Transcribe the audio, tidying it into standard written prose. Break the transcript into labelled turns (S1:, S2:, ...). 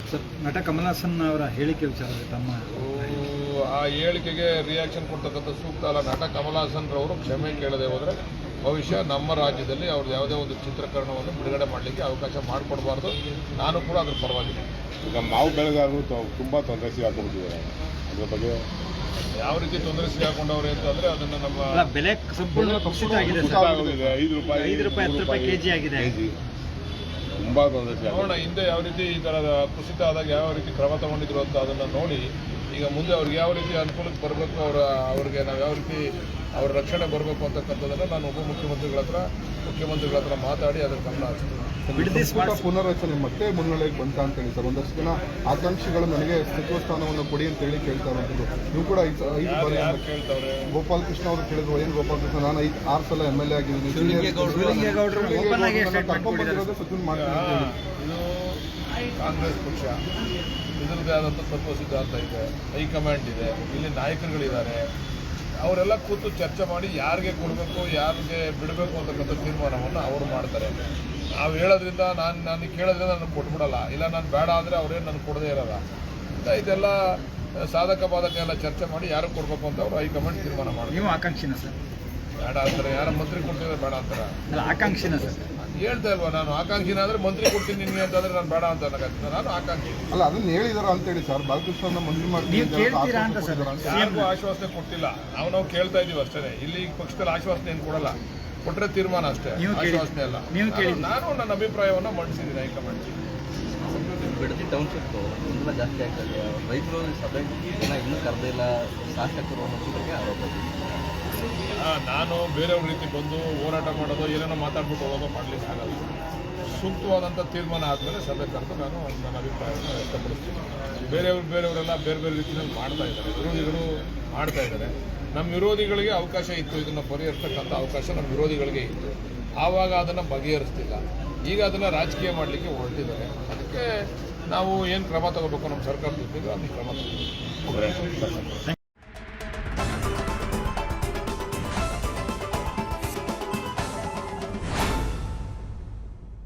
S1: Sir, ನಟ ಕಮಲ್ ಹಾಸನ್ ಅವರ ಹೇಳಿಕೆ ವಿಚಾರದಲ್ಲಿ ತಮ್ಮ
S2: ಆ ಹೇಳಿಕೆಗೆ ರಿಯಾಕ್ಷನ್ ಕೊಡ್ತಕ್ಕಂಥ ಸೂಕ್ತ ಅಲ್ಲ. ನಟ ಕಮಲ್ ಹಾಸನ್ ರವರು ಕ್ಷಮೆ ಕೇಳದೆ ಹೋದರೆ ಭವಿಷ್ಯ ನಮ್ಮ ರಾಜ್ಯದಲ್ಲಿ ಅವ್ರದ್ದು ಯಾವುದೇ ಒಂದು ಚಿತ್ರೀಕರಣವನ್ನು ಬಿಡುಗಡೆ ಮಾಡಲಿಕ್ಕೆ ಅವಕಾಶ ಮಾಡಿಕೊಡಬಾರ್ದು. ನಾನು ಕೂಡ ಅದ್ರ ಪರವಾಗಿಲ್ಲ.
S3: ಈಗ ಮಾವು ಬೆಳೆಗಾರರು ತುಂಬ ತೊಂದರೆ ಸಿಗಾಕೊಂಡಿದ್ದಾರೆ. ಅದ್ರ ಬಗ್ಗೆ
S2: ಯಾವ ರೀತಿ ತೊಂದರೆ ಸಿಗಾಕೊಂಡವ್ರೆ ಅಂತಂದರೆ ಅದನ್ನು ನಮ್ಮ
S1: ಬೆಲೆ ಸಂಪೂರ್ಣ ಕುಸಿತ ಆಗಿದೆ ಸರ್.
S3: 5 ರೂಪಾಯಿ
S1: 10 ರೂಪಾಯಿ ಕೆಜಿ ಆಗಿದೆ.
S3: ತುಂಬ ತೊಂದರೆ ಸಿಗ
S2: ನೋಡೋಣ ಹಿಂದೆ ಯಾವ ರೀತಿ ಈ ಥರದ ಕುಸಿತ ಆದಾಗ ಯಾವ ರೀತಿ ಕ್ರಮ ತಗೊಂಡಿದ್ರು ಅಂತ ಅದನ್ನು ನೋಡಿ ಈಗ ಮುಂದೆ ಅವ್ರಿಗೆ ಯಾವ ರೀತಿ ಅನುಕೂಲಕ್ಕೆ ಬರಬೇಕು, ಅವ್ರಿಗೆ ನಾವು ಯಾವ ರೀತಿ ಅವ್ರ ರಕ್ಷಣೆ ಬರಬೇಕು ಅಂತಕ್ಕಂಥದ್ದನ್ನು ನಾನು ಮುಖ್ಯಮಂತ್ರಿಗಳ ಹತ್ರ ಮಾತಾಡಿ ಅದರ ಗಮನ ಹರಿಸ್ತೀನಿ.
S4: ಪುನರ್ರಚನೆ ಮತ್ತೆ ಮುನ್ನೆಲೆಗೆ ಬಂತ ಅಂತ ಹೇಳಿ ಸರ್, ಒಂದಷ್ಟು ಜನ ಆಕಾಂಕ್ಷಿಗಳು ನನಗೆ ಸಚಿವ ಸ್ಥಾನವನ್ನು ಕೊಡಿ ಅಂತ ಹೇಳಿ ಕೇಳ್ತಾ ಇರೋದು. ನೀವು ಕೂಡ 5 ಬಾರಿ
S2: ಕೇಳ್ತಾವ್ರೆ.
S4: ಗೋಪಾಲ್ ಕೃಷ್ಣ ಅವರು ಕೇಳಿದ್ರು, ಏನು ಗೋಪಾಲ್ ಕೃಷ್ಣ, ನಾನು 6 ಸಲ MLA ಆಗಿದ್ದೀನಿ, ಕರ್ಕೊಂಡ್ಬಂದಿರೋದು ಸಚಿವ ಮಾಡ್ತೀನಿ.
S2: ಇದು ಕಾಂಗ್ರೆಸ್ ಪಕ್ಷ, ಇದರದ್ದೇ ಆದಂಥ ತತ್ವ ಸಿದ್ಧಾಂತ ಇದೆ, ಹೈಕಮಾಂಡ್ ಇದೆ, ಇಲ್ಲಿ ನಾಯಕರುಗಳಿದ್ದಾರೆ. ಅವರೆಲ್ಲ ಕೂತು ಚರ್ಚೆ ಮಾಡಿ ಯಾರಿಗೆ ಕೊಡಬೇಕು ಯಾರಿಗೆ ಬಿಡಬೇಕು ಅಂತಕ್ಕಂಥ ತೀರ್ಮಾನವನ್ನು ಅವರು ಮಾಡ್ತಾರೆ. ನಾವು ಹೇಳೋದ್ರಿಂದ ನಾನು ಕೇಳೋದ್ರಿಂದ ನನಗೆ ಕೊಟ್ಬಿಡಲ್ಲ, ಇಲ್ಲ ನಾನು ಬೇಡ ಅಂದರೆ ಅವರೇನು ನನಗೆ ಕೊಡದೇ ಇರೋಲ್ಲ. ಇದೆಲ್ಲ ಸಾಧಕ ಬಾಧಕ ಎಲ್ಲ ಚರ್ಚೆ ಮಾಡಿ ಯಾರಿಗೆ ಕೊಡಬೇಕು ಅಂತ ಅವರು ಹೈಕಮಾಂಡ್ ತೀರ್ಮಾನ ಮಾಡ್ತಾರೆ.
S1: ನೀವು ಆಕಾಂಕ್ಷಿನ ಸರ್?
S2: ಬೇಡ ಅಂತಾರೆ. ಯಾರ ಮಂತ್ರಿ ಕೊಡ್ತಿದ್ರೆ ಬೇಡ ಅಂತಾರೆ.
S1: ಆಕಾಂಕ್ಷಿನ ಸರ್?
S2: ಹೇಳ್ತಾ ಇಲ್ವಾ ನಾನು ಆಕಾಂಕ್ಷಿನ ಅಂದರೆ ಮಂತ್ರಿ ಕೊಡ್ತೀನಿ ನಿಮಗೆ ಅಂತಂದರೆ ನಾನು ಬೇಡ ಅಂತ ಅನ್ನೋಕ್ಕಾಗ್ತದೆ. ನಾನು ಆಕಾಂಕ್ಷಿ
S4: ಅಲ್ಲ, ಅದನ್ನ ಹೇಳಿದಾರ ಅಂತೇಳಿ ಸರ್. ಬಾಲಕೃಷ್ಣ ಮಂತ್ರಿ
S2: ಯಾರಿಗೂ ಆಶ್ವಾಸನೆ ಕೊಟ್ಟಿಲ್ಲ. ನಾವು ಕೇಳ್ತಾ ಇದೀವಿ ಅಷ್ಟೇ. ಇಲ್ಲಿ ಪಕ್ಷದಲ್ಲಿ ಆಶ್ವಾಸನೆ ಏನು ಕೊಡಲ್ಲ, ಕೊಟ್ಟರೆ ತೀರ್ಮಾನ ಅಷ್ಟೇ, ಆಶ್ವಾಸನೆ ಅಲ್ಲ. ನಾನು ನನ್ನ ಅಭಿಪ್ರಾಯವನ್ನು ಮಂಡಿಸಿದ್ದೀನಿ ಹೈಕಮಾಂಡ್.
S5: ಬಿಡದಿ ಟೌನ್ಶಿಪ್ ತುಂಬ ಜಾಸ್ತಿ ಆಗ್ತದೆ. ರೈತರು ಸಭೆ ಇನ್ನೂ ಕರೆದಿಲ್ಲ, ಶಾಸಕರು ಅನ್ನೋದ್ರ ಬಗ್ಗೆ ಆರೋಪ.
S2: ನಾನು ಬೇರೆಯವ್ರ ರೀತಿ ಬಂದು ಹೋರಾಟ ಮಾಡೋದು, ಏನೇನೋ ಮಾತಾಡ್ಬಿಟ್ಟು ಹೋಗೋದು ಮಾಡಲಿಕ್ಕೆ ಆಗಲ್ಲ. ಸೂಕ್ತವಾದಂಥ ತೀರ್ಮಾನ ಆದಮೇಲೆ ಸಭೆ ಕರೆದು ನಾನು ನನ್ನ ಅಭಿಪ್ರಾಯವನ್ನು ವ್ಯಕ್ತಪಡಿಸ್ತೀನಿ. ಬೇರೆಯವರೆಲ್ಲ ಬೇರೆ ಬೇರೆ ರೀತಿಯಲ್ಲಿ ಮಾಡ್ತಾ ಇದ್ದಾರೆ, ವಿರೋಧಿಗಳು ಮಾಡ್ತಾ ಇದ್ದಾರೆ. ನಮ್ಮ ವಿರೋಧಿಗಳಿಗೆ ಅವಕಾಶ ಇತ್ತು, ಇದನ್ನು ಪರಿಹರಿಸ್ತಕ್ಕಂಥ ಅವಕಾಶ ನಮ್ಮ ವಿರೋಧಿಗಳಿಗೆ ಇತ್ತು. ಆವಾಗ ಅದನ್ನು ಬಗೆಹರಿಸ್ತಿಲ್ಲ. ಈಗ ಅದನ್ನು ರಾಜಕೀಯ ಮಾಡಲಿಕ್ಕೆ ಹೊರಟಿದ್ದಾರೆ. ಅದಕ್ಕೆ ನಾವು ಏನು ಕ್ರಮ ತಗೋಬೇಕು ನಮ್ಮ ಸರ್ಕಾರ ಜೊತೆಗೆ ಅದನ್ನು ಕ್ರಮ ತಗೋಬೇಕು.